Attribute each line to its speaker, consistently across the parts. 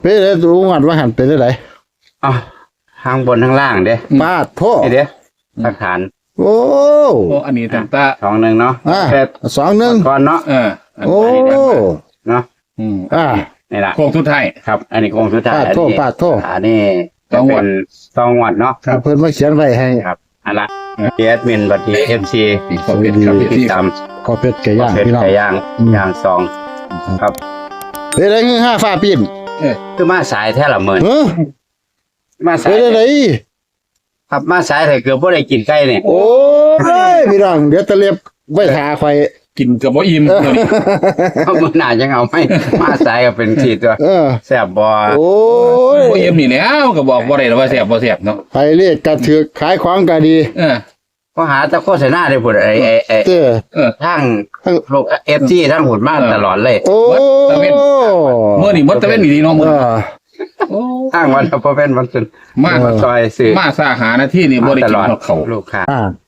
Speaker 1: เป็นได้ดูงัดว่าหันเป็นได้ไหน
Speaker 2: อ๋อทางบนทางล่างเด้
Speaker 1: ปาดโทษ
Speaker 2: เด้หลักฐาน
Speaker 1: โอ้
Speaker 3: อันนี้ตั้งแต่
Speaker 2: 21เนาะ
Speaker 1: แต่21
Speaker 2: ก่อนเนาะ
Speaker 1: โอ้
Speaker 2: เนาะนี่ล่ะ
Speaker 3: โค้งสุดท้าย
Speaker 2: ครับอันนี้โค้งสุดท้าย
Speaker 1: ปาดโทษ
Speaker 2: อันนี้2 วันเนาะ
Speaker 1: เพิ่นมาเขียนไว้ให้
Speaker 2: ครับอันละแอดมินบัดนี้ MC
Speaker 3: ขอบคุณครับ
Speaker 2: ติดตาม
Speaker 1: ขอเป็ดไก่ย่างพี่น้อง
Speaker 2: ไก่ย่างซองครับ
Speaker 1: เฮ้ยได้เงิน5ฟ้าปีน
Speaker 2: คือมาสายแท้ละมื้อมาสาย
Speaker 1: ได้
Speaker 2: ครับมาสายแต่เกือบบ่ได้กินไก่นี่
Speaker 1: โอ้ยพี่น้องเดี๋ยวตะเลียบไว้หาข่อย
Speaker 3: กินกับบ่อิ่มตัวนี้
Speaker 2: มื้อหน้าจังเอาไม่มาสายก็เป็นทีตัวแซ่บบ่
Speaker 1: โอ้ย
Speaker 3: บ่อิ่มนี่แล้วก็บอกบ่ได้ว่าแซ่บบ่แซ่บเนาะ
Speaker 1: ไปเรียกกระถือขายของก็ดี
Speaker 2: ก็หาแต่โฆษณาได้พุ่นไอ้ทางโลก FG ทั้งหุ่นมาตลอดเลย
Speaker 1: โอ้
Speaker 3: ตะเว้นมื้อนี้หมดตะเว้นดีเนาะมื้อ
Speaker 2: ทางวันบ่เป็นวันศุกร์
Speaker 3: มา
Speaker 2: ซอยซื้อ
Speaker 3: มาสาหานาทีนี่บ่ได้กินข้าว
Speaker 2: ลูกค้า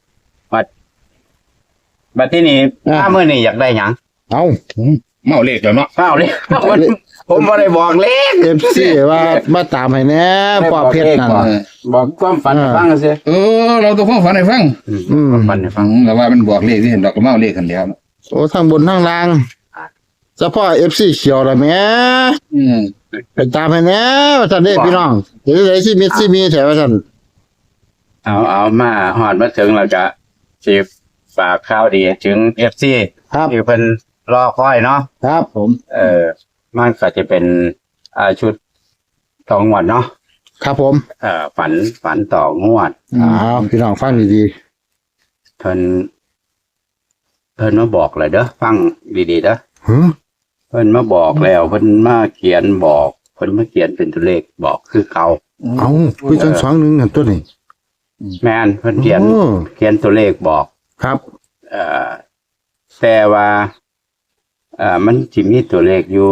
Speaker 2: บัดที่นี่ถ้ามื้อนี้อยากได้หยัง
Speaker 3: เมาเลขแล้วเนาะ
Speaker 2: เมาเลขผมบ่ได้บอกเลข
Speaker 1: FC ว่ามาตามให้แน่ปอเพชรนั่น
Speaker 2: บอกความฝันฟังซิ
Speaker 3: เราต้องฟังให้ฟัง
Speaker 2: ความฝันให้ฟัง
Speaker 3: แล้วว่ามันบอกเลขที่เห็นดอกก็เมาเลขกันแล้ว
Speaker 1: โอ้ทางบนทางล่างเฉพาะ FC เขียวล่ะแม่ไปตามให้แน่ว่าซั่นเด้พี่น้องเดี๋ยวได้สิมีแถวว่าซั่น
Speaker 2: เอามาฮอดมาถึงแล้วก็สิฝากข่าวดีถึง FC ที่เพิ่นรอคอยเนาะ
Speaker 1: ครับผม
Speaker 2: มันก็จะเป็นชุด2 งวดเนาะ
Speaker 1: ครับผม
Speaker 2: ฝันต่องวด
Speaker 1: พี่น้องฟังดี
Speaker 2: ๆเพิ่นมาบอกเลยเด้อฟังดีๆเด้อเพิ่นมาบอกแล้วเพิ่นมาเขียนบอกเพิ่นมาเขียนเป็นตัวเลขบอกคือเก่า
Speaker 1: คือจัง21นั่นตัวนี้
Speaker 2: แม่นเพิ่นเขียนตัวเลขบอก
Speaker 1: ครับ
Speaker 2: แต่ว่ามันสิมีตัวเลขอยู่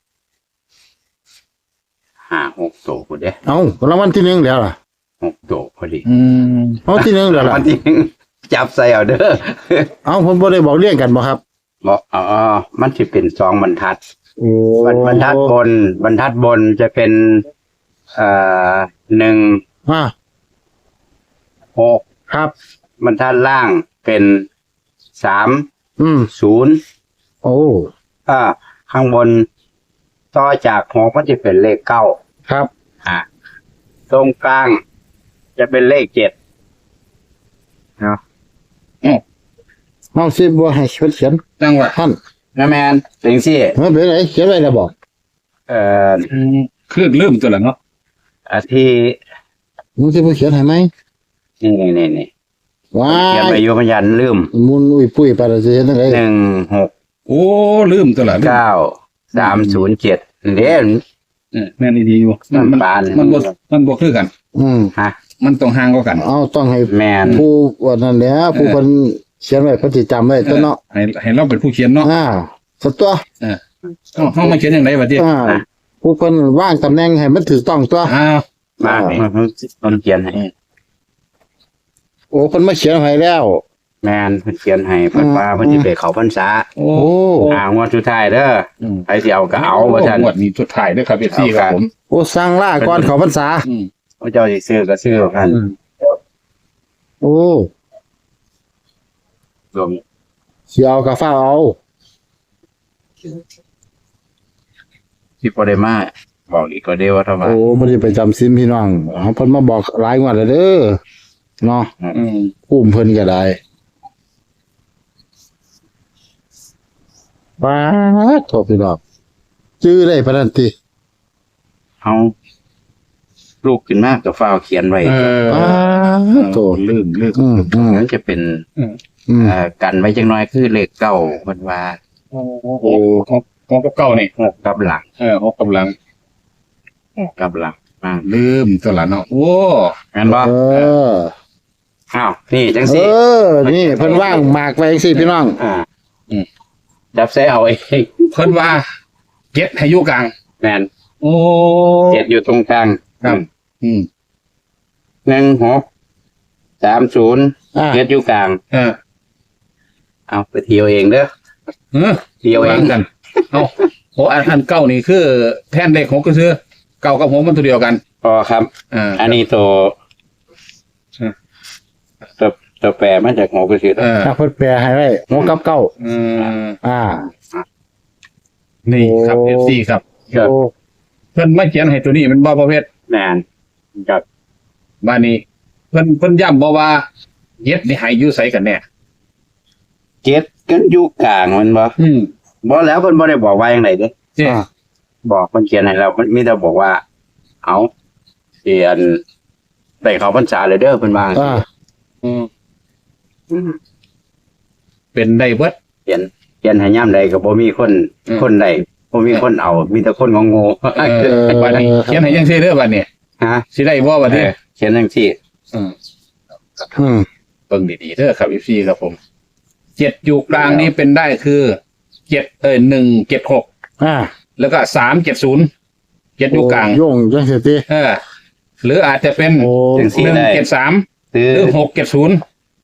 Speaker 2: 5-6 ตัวพุ่นเด้
Speaker 1: รางวัลที่1แล้วล่ะ
Speaker 2: 6 ตัวพอดี
Speaker 1: ที่1แล้วล่ะ
Speaker 2: ที่1จับใส่เอาเด้
Speaker 1: อผมบ่ได้บอกเรียงกันบ่ครับ
Speaker 2: บอกมันสิเป็น2บรรทัดบรรทัดบนจะเป็น1 6
Speaker 1: ครับ
Speaker 2: บรรทัดล่างเป็น3 0ข้างบนต่อจาก6มันจะเป็นเลข9
Speaker 1: ครับ
Speaker 2: ตรงกลางจะเป็นเลข7เนาะ
Speaker 1: น้องสิบ่ให้เขียน
Speaker 3: จังหวะ
Speaker 1: ท่าน
Speaker 2: นะแม่นจังซี่
Speaker 1: เป็นไงเขียนไว้แล้วบ่
Speaker 3: คือลืมตัวละเนาะ
Speaker 2: ที่
Speaker 1: มึงสิบ่เขียนให้มั้ย
Speaker 2: นี่ว้าเขียนไปอยู่พยัญชนะลืม
Speaker 1: มุนอุ้ยปุ้ยไปแล้วสิเฮ็ดจังได๋
Speaker 2: 16
Speaker 3: ลืมตัวละ
Speaker 2: 9307เด้
Speaker 3: แม่นดีอยู่มันบ่คือกันมันต้องห่างกว่ากัน
Speaker 1: ต้องให้
Speaker 2: แม่น
Speaker 1: ผู้ว่านั่นแหละผู้เพิ่นเขียนไว้เพิ่นสิจำไว้ตัวเนาะ
Speaker 3: ให้เราเป็นผู้เขียนเนาะ
Speaker 1: สักตัว
Speaker 3: เฮามาเขียนจังได๋บัดนี้
Speaker 1: ผู้เพิ่นวางตำแหน่งให้มันถูกต้องตัว
Speaker 2: มามันเขียนให้
Speaker 1: เพิ่นมาเขียนให้แล้ว
Speaker 2: แม่นเพิ่นเขียนให้เพิ่นว่าเพิ่นสิไปเข้าพรรษางวดสุดท้ายเด้อใครสิเอาก็เอาว่าซั่น
Speaker 3: งวดนี้สุดท้ายเด้อครับ FC ครับผม
Speaker 1: สั่งลาก่อนเข้าพรรษา
Speaker 2: พระเจ้าสิซื้อก็ซื้อกันรวม
Speaker 1: สิเอาก็ฟ้าเอา
Speaker 2: ที่บ่ได้มาบอกอีกก็ได้ว่าเท่าว่า
Speaker 1: บ่ได้ไปจำศีลพี่น้องเพิ่นมาบอกหลายงวดแล้วเด้อเนาะอุ้มเพิ่นก็ได้ป้าโทษพี่น้องชื่อได้ปานนั้นติ
Speaker 2: เฮาลูกขึ้นมาก็ฟ้าวเขียนไว้
Speaker 1: โต
Speaker 2: ลืมนั้นจะเป็นกันไว้จังน้อยคือเลข9เพิ่นว่า
Speaker 3: กับ9นี่
Speaker 2: 6กับหลัง
Speaker 3: 6กับหลังลืมตัวละเนาะ
Speaker 2: แม่นบ่นี่จังซี่
Speaker 1: นี่เพิ่นว่างหมากไว้จังซี่พี่น้อง
Speaker 2: จับใส่เอาเอง
Speaker 3: เพิ่นว่า7ให้อยู่กลาง
Speaker 2: แม่น7อยู่ตรงกลาง
Speaker 3: ครับ
Speaker 2: 16307อยู่กลางเอาไปเที่ยวเองเด้อเที่ยวเอง
Speaker 3: กันอัน9นี่คือแทนเลข6ก็คือเก้ากับหกมันตัวเดียวกัน
Speaker 2: พอครับ อันนี้ตัวแปรมาจากหัวกระสือ
Speaker 1: ถ้าเพิ่นแปลให้ไว้หัวกับเก้าอ่า
Speaker 3: นี่ครับ FC ครับ
Speaker 2: ครับ
Speaker 1: โอ้
Speaker 3: เพิ่นไม่เขียนให้ตัวนี้มันบ่ประเภท
Speaker 2: แมนครับ
Speaker 3: บ้านนี้เพิ่นย้ำบ่ว่าเย็ดนี่ให้อยู่ไสกันแน่
Speaker 2: เจ็ดกันอยู่กลางมันบ่บ่แล้วเพิ่นบ่ได้บอกว่าอย่างไรเด้
Speaker 3: เจ้
Speaker 2: บอกเพิ่นเขียนให้เรามันมีแต่บอกว่า เอาเขียนได้เขาพรรษาเลยเด้อเพิ่นว่า
Speaker 1: อ่า
Speaker 3: เป็นได้เบิด
Speaker 2: เขียนให้ย่ำใดก็บ่มีคนใดบ่มีคนเอา มีแต่คนงง
Speaker 3: บัดนี้เขียนให้จังซี่เด้อบัดนี้
Speaker 2: ฮะ
Speaker 3: สิได้บ่บัดนี้
Speaker 2: เขียนจังซี่
Speaker 1: อืม
Speaker 3: เบิ่งดีๆเด้อครับ FC ครับผม7อยู่กลางนี้เป็นได้คือ176
Speaker 1: อ่า
Speaker 3: แล้วก็370 7อยู่กลาง
Speaker 1: โยงจังซี่ติ
Speaker 3: หรืออาจจะเป็น
Speaker 1: โอ้
Speaker 3: 173
Speaker 2: คือ
Speaker 3: หรือ670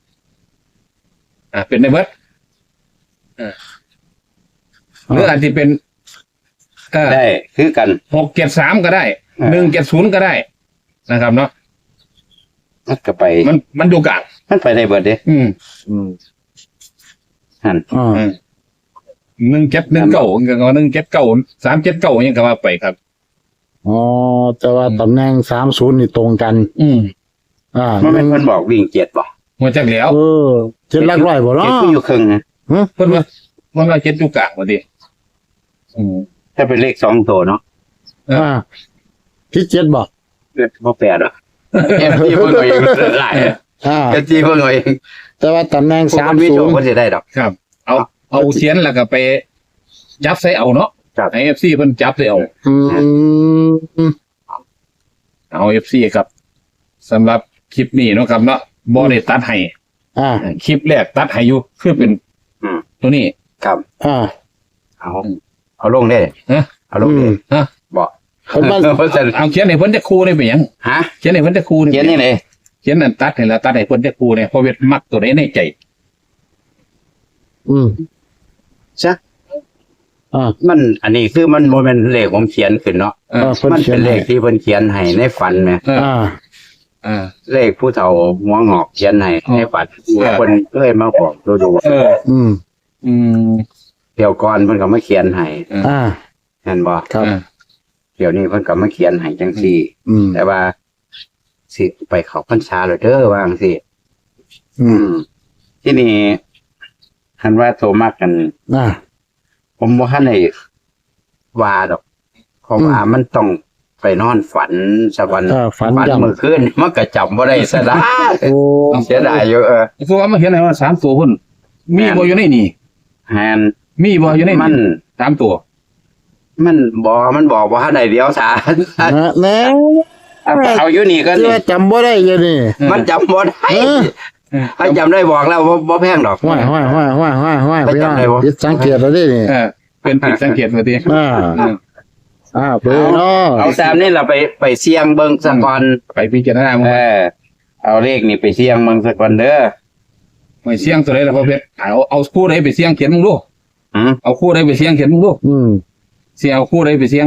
Speaker 3: เป็นได้เบิดหรืออาจจะเป็น
Speaker 2: ได้คือกัน
Speaker 3: 673ก็ได้170ก็ได้นะครับเนาะ
Speaker 2: มันก็ไป
Speaker 3: มันดูกลาง
Speaker 2: มันไปได้เบิดเด้
Speaker 1: อืม
Speaker 2: หั่น
Speaker 1: อ่า
Speaker 3: 1719 379ยังก็ว่าไปครับ
Speaker 1: อ๋อแต่ว่าตำแหน่ง30นี่ตรงกัน อ่า
Speaker 2: มันเป็นเพิ่นบอกวิ่ง7บ่
Speaker 3: หัวจักแล้ว
Speaker 1: เจ็ดหลักร้อยบ่เนาะ
Speaker 2: เจ็ดก็อยู่ครึ่งนะ
Speaker 3: เพิ่นว่า7อยู่กลางว่าดิ
Speaker 2: ถ้าเป็นเลข2ตัวเนาะ
Speaker 1: อ่าที่เจ็ดบ่
Speaker 2: บ่แปดหรอกเอฟซีเพิ่นเอาเองหลาย
Speaker 1: อ่า
Speaker 2: เอฟซีเพิ่นเอาเอง
Speaker 1: แต่ว่าตำแหน่ง
Speaker 2: คนมีโชคก็สิได้ดอก
Speaker 3: ครับ เอาเทียนแล้วก็ไปจับใส่เอาเนาะ
Speaker 2: ครับ
Speaker 3: ให้ FC เพิ่นจับใส่เอา
Speaker 1: อืม
Speaker 3: เอา FC ครับสำหรับคลิปนี้เนาะครับเนาะบ่ได้ตัดให้
Speaker 1: อ่า
Speaker 3: คลิปแรกตัดให้อยู่คือเป็นตัวนี้
Speaker 2: ครับ
Speaker 1: อ่า
Speaker 2: เอาลงได้
Speaker 3: ฮะ
Speaker 2: เอาลงได้
Speaker 3: ฮะ
Speaker 2: บ่
Speaker 1: เพิ่นว่า
Speaker 2: เพิ่นจะ
Speaker 3: เอาเขียนให้เพิ่นจะครูได้เป็นหยัง
Speaker 2: ฮะ
Speaker 3: เขียนให้เพิ่นจะครูได้
Speaker 2: เขียนนี่เลย
Speaker 3: เขียนนั่นตัดให้แล้วตัดให้เพิ่นจะครูเนี่ยเพราะเวทมักตัวไหนในใจ
Speaker 1: อืม
Speaker 2: ซะ
Speaker 1: อ่า
Speaker 2: มันอันนี้คือมันบ่แม่นเลขผมเขียนขึ้นเนาะ
Speaker 1: เพิ่น
Speaker 2: มัน
Speaker 1: เขีย
Speaker 2: เป็น นเล
Speaker 1: ให้
Speaker 2: ขที่เพิ่นเขียนให้ในฝันแหม
Speaker 1: อ่า
Speaker 2: เลขผู้เฒ่าหัวงอกเขียนให้ในฝันคนเคยมาบอกดู
Speaker 1: อืม
Speaker 2: เดี๋ยวก่อนเพิ่นก็มาเขียนให้
Speaker 1: อ่า
Speaker 2: เห็นบ่
Speaker 1: ครับ
Speaker 2: เดี๋ยวนี้เพิ่นก็มาเขียนให้จังซี่
Speaker 1: อืม
Speaker 2: แต่ว่าสิไปเขาพรรษาเลยเด้อว่าจังซี่
Speaker 1: อืม
Speaker 2: ที่นี่คันว่าโทรมากกัน
Speaker 1: อ่า
Speaker 2: ผมบ่ทันได้ว่าดอกเพราะว่ามันต้องไปนอนฝันสักวัน
Speaker 1: ฝัน
Speaker 2: ฝัน
Speaker 1: จำ
Speaker 2: เมื่อคืนมันก็จำบ่ได้ซะได้
Speaker 1: โอ้
Speaker 2: เสียดายอยู่
Speaker 3: คือว่ามาเขียนให้ว่า3ตัวเพิ่นมีบ่อยู่ในนี่
Speaker 2: แฮน
Speaker 3: มีบ่อยู่ใน
Speaker 2: มัน
Speaker 3: นี่3ตัว
Speaker 2: มันบอกว่าทันได้เดียวซะ
Speaker 1: แน่
Speaker 2: เอาอยู่นี่ก็
Speaker 1: ที่
Speaker 2: นี่
Speaker 1: ว่าจำบ่ได้อยู่นี่
Speaker 2: มันจำบ่ได้ ถ้าจำได้บอกแล้วบ่แพงดอก
Speaker 1: ห้อยพี่น้อง
Speaker 2: ไปจำได้บ่
Speaker 1: ยึดสังเกตแล้วดินี่
Speaker 3: เป็นผิดสังเกตว่าติ
Speaker 1: เปิดเนาะ
Speaker 2: เอาตามนี่เราไปเสี่ยงเบิ่งซะก่อน
Speaker 3: ไปพิจารณา
Speaker 2: เอาเลขนี่ไปเสี่ยงเบิ่งซะก่อนเด้อ
Speaker 3: ไม่เสี่ยงตัวใดล่ะพ่อเพชรเอาคู่ใดไปเสี่ยงเขียนมึงดู
Speaker 2: หือ
Speaker 3: เอาคู่ใดไปเสี่ยงเขียนมึงดู
Speaker 1: อืม
Speaker 3: สิเอาคู่ใดไปเสี่ยง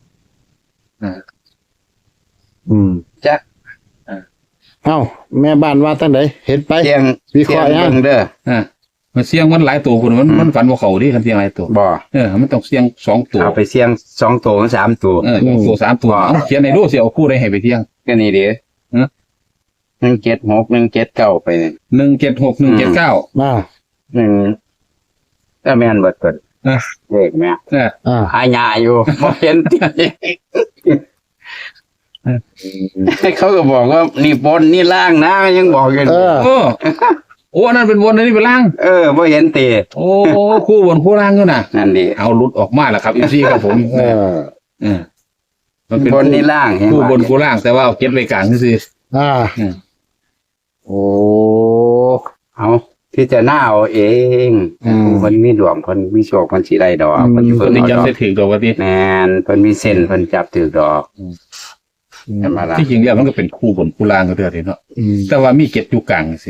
Speaker 1: อืม
Speaker 2: จ๊ะ
Speaker 1: เอ้าแม่บ้านว่าตั้งไหนเห็นไป
Speaker 2: เสี่ยง
Speaker 1: วิเคราะห์ยัง
Speaker 2: เบิ่งเด้อ
Speaker 3: มันเสี่ยงมันหลายตัวคุณมันฝันว่าเขาดิคันเสี่ยงหลายตัว
Speaker 2: บ่
Speaker 3: มันต้องเสี่ยง2ตัว
Speaker 2: เอาไปเสี่ยง2ตัวถึง3ตัว
Speaker 3: 2ตัว3ตัวเอาเขียนให้ดูสิเอาคู่ใดให้ไปเสี่ยง
Speaker 2: ก็นี่เด้
Speaker 3: ฮะ
Speaker 2: 176 179ไปนี่
Speaker 3: 176 179
Speaker 1: อ่า
Speaker 2: ก็แม่นเบิดเกิด
Speaker 3: อ่ะ
Speaker 2: เลขแม่
Speaker 1: อ่า
Speaker 2: หายาอยู่ บ่เห็นติเขาก็บอกว่านี่บนนี่ล่างนะยังบอกอยู่
Speaker 3: โอ้อันนั้นเป็นบนอันนี้เป็นล่าง
Speaker 2: บ่เห็นติ
Speaker 3: โอ้คู่บนคู่ล่างด้วยนะ
Speaker 2: นั่นดิ
Speaker 3: เอาหลุดออกมาแล้วครับอีซี่ครับผม มันเป็น
Speaker 2: บนนี่ล่างเห็น
Speaker 3: คู่
Speaker 2: บ่
Speaker 3: บนคู่ล่าง แต่ว่าเอาเก็ตไว้กลางนี่สิ
Speaker 1: อ่าโอ้
Speaker 2: เอาพิจารณาเอาเองเพิ่นมีดวงเพิ่นมีโชคเพิ่นสิได้ดอกเพิ่น
Speaker 3: ค
Speaker 2: เพิ่
Speaker 3: น
Speaker 2: น
Speaker 3: ที่
Speaker 2: เอา
Speaker 3: จับ
Speaker 2: ดอก
Speaker 3: ได้ถือตัวว่าที่
Speaker 2: แม่นเพิ่นมีเส้นเพิ่นจับถือดอกใช่ไหมล่ะ
Speaker 3: ที่จริงแล้วมันก็เป็นคู่บนคู่ล่างก็เถอะทีเนาะ แต่ว่ามีเก็ตอยู่กลางสิ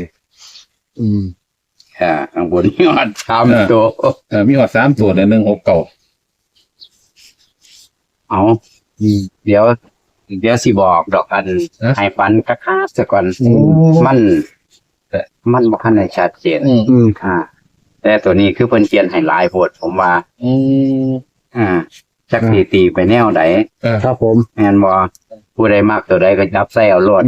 Speaker 2: ข้างบนยอด3ตัว
Speaker 3: มีหอด3ตัวเนี่ย169
Speaker 2: เอาเดี๋ยวเดี๋ยวสิบอกดอกอันให้ฝันกะคาซะก่อนมันบ่ทันได้ชัดเจนแต่ตัวนี้คือเพิ่นเขียนให้หลายโพดผมว่าจักสิตีไปแนวใด
Speaker 1: ครับผม
Speaker 2: แม่นบ่ผู้ใดมักตัวใดก็จับใส่เอาโลด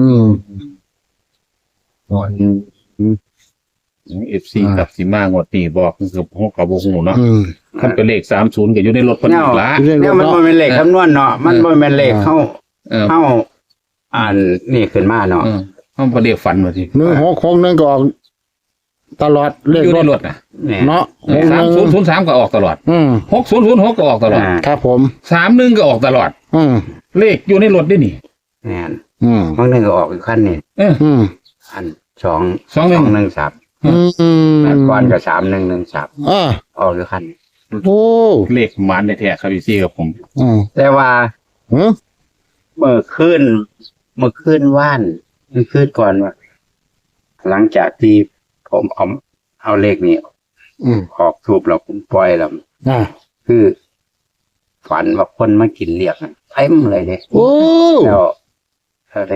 Speaker 3: FC กับสิมางวดนี้บอกคือพวกกับบ่ฮู้เนาะคันเป็นเลข30ก็อยู่ในรถเพิ่นอีกละ
Speaker 2: เนี่ยมันบ่แม่นเลขคำนวณเนาะมันบ่แม่นเลขเฮาอ่านนี่ขึ้นมาเนาะ
Speaker 3: เฮาบ่เลขฝันว่าสิ
Speaker 1: 166ก็ออกตลอดเลข
Speaker 3: อยู่
Speaker 1: ร
Speaker 3: ใน
Speaker 1: ถ
Speaker 3: รถน่ะ
Speaker 1: เนาะ
Speaker 3: 3003ก็ออกตลอด6006ก็ออกตลอด
Speaker 1: ครับผม
Speaker 3: 31ก็ออกตลอดเลขอยู่ในรถได้นี่
Speaker 2: แม่นบางนึงก็ออกอีกคันนี่อัน213ก่อนก็3113ออกอีกคัน
Speaker 1: โอ้
Speaker 3: เลขหมานแท้ๆครับพี่ครับผม
Speaker 2: แต่ว่าเมื่อคืนว่านเมื่อคืนก่อนว่าหลังจากที่ผมเอาเลขนี้ออกทูบแล้วผมปล่อยแล้วคือฝันว่าคนมากินเรียกเต็มเลยเนี่ย
Speaker 1: โอ้
Speaker 2: แล้วอะไร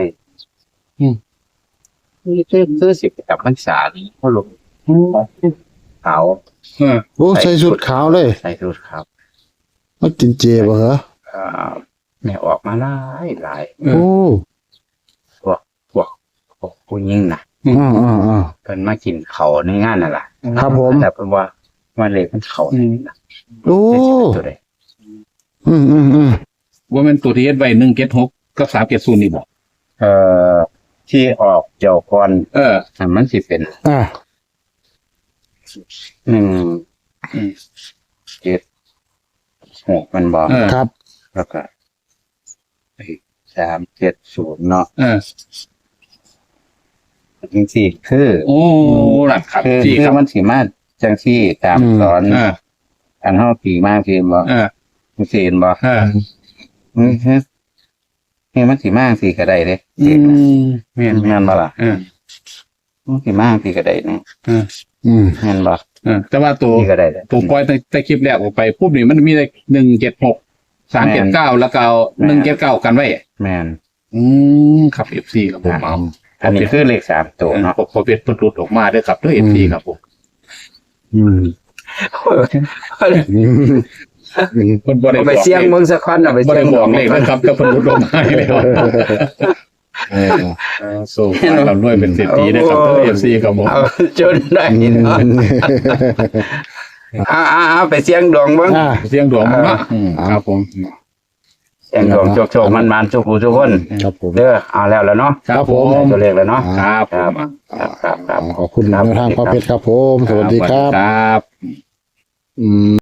Speaker 2: นี่คือสิบกับพรรษานี่พ่อหลวงขาว
Speaker 1: โอ้ใส่ชุดขาวเลย
Speaker 2: ใส่ชุดขาว
Speaker 1: มากินเจบ่เหรอ
Speaker 2: แม่ออกมาหลาย
Speaker 1: โอ้
Speaker 2: พวกผู้หญิงนะเพิ่นมากินเขาในงานนั่นแหละ
Speaker 1: ครับผม
Speaker 2: แต่เพิ่นว่าเลขมันเขา
Speaker 1: โอ้
Speaker 2: ตัวใด
Speaker 3: ว่ามันตัวที่เฮ็ดไว้176กับ370นี่บ่
Speaker 2: ที่ออกเจ้าก่อนมันสิเป็น176มันบอก
Speaker 1: ครับ
Speaker 2: แล้วก็370เนาะจริงสิคือ
Speaker 3: โอ้นั่นครับ
Speaker 2: คือมันสิมาจังซี่ตามสอนอันเฮาปีมากคือบ่มันสิเห็นบ่นี่มันสิมากสิก็ได้เด้แม่นบ่ล่ะมันสิมากสิก็ได้นี่แม่นบ่
Speaker 3: แต่ว่าตัวปล่อยแต่คลิปแรกออกไปปุ๊บนี่มันมีได้176 379แล้วก็179กันไว้
Speaker 2: แม่น
Speaker 3: ครับ FC ครับผมเอา
Speaker 2: อันนี้คือเลข3ตัวเนาะ
Speaker 3: พอเป็นหลุดออกมาเด้อครับเด้อ FC ครับผมเพิ่นบ่ได้
Speaker 2: ไปเสี่ยงเมืองสักคนเอาไป
Speaker 3: บ่
Speaker 2: เสี่ย
Speaker 3: ได้
Speaker 2: ง
Speaker 3: บอกเลขนะครับก็เพิ่นหลุดออกมาให้แล้วสู้เราด้วยเป็นเศรษฐีนะครับเด้อ FC ครับผม
Speaker 2: จนได้เนาะไปเสี่ยงดวงเบิ่ง
Speaker 3: เสียงดวงเนาะครับผม
Speaker 2: เสี่ยงดวงโชคๆมันๆทุกผู้ทุกคน
Speaker 1: ครับผม
Speaker 2: เด้อเอาแล้วเนาะ
Speaker 3: ครับผม
Speaker 2: ตัวเลขแล้วเนาะ
Speaker 3: ครับผม
Speaker 2: ครับ
Speaker 1: ขอบคุณทางพ่อเพชรครับผมสวัสดีครับ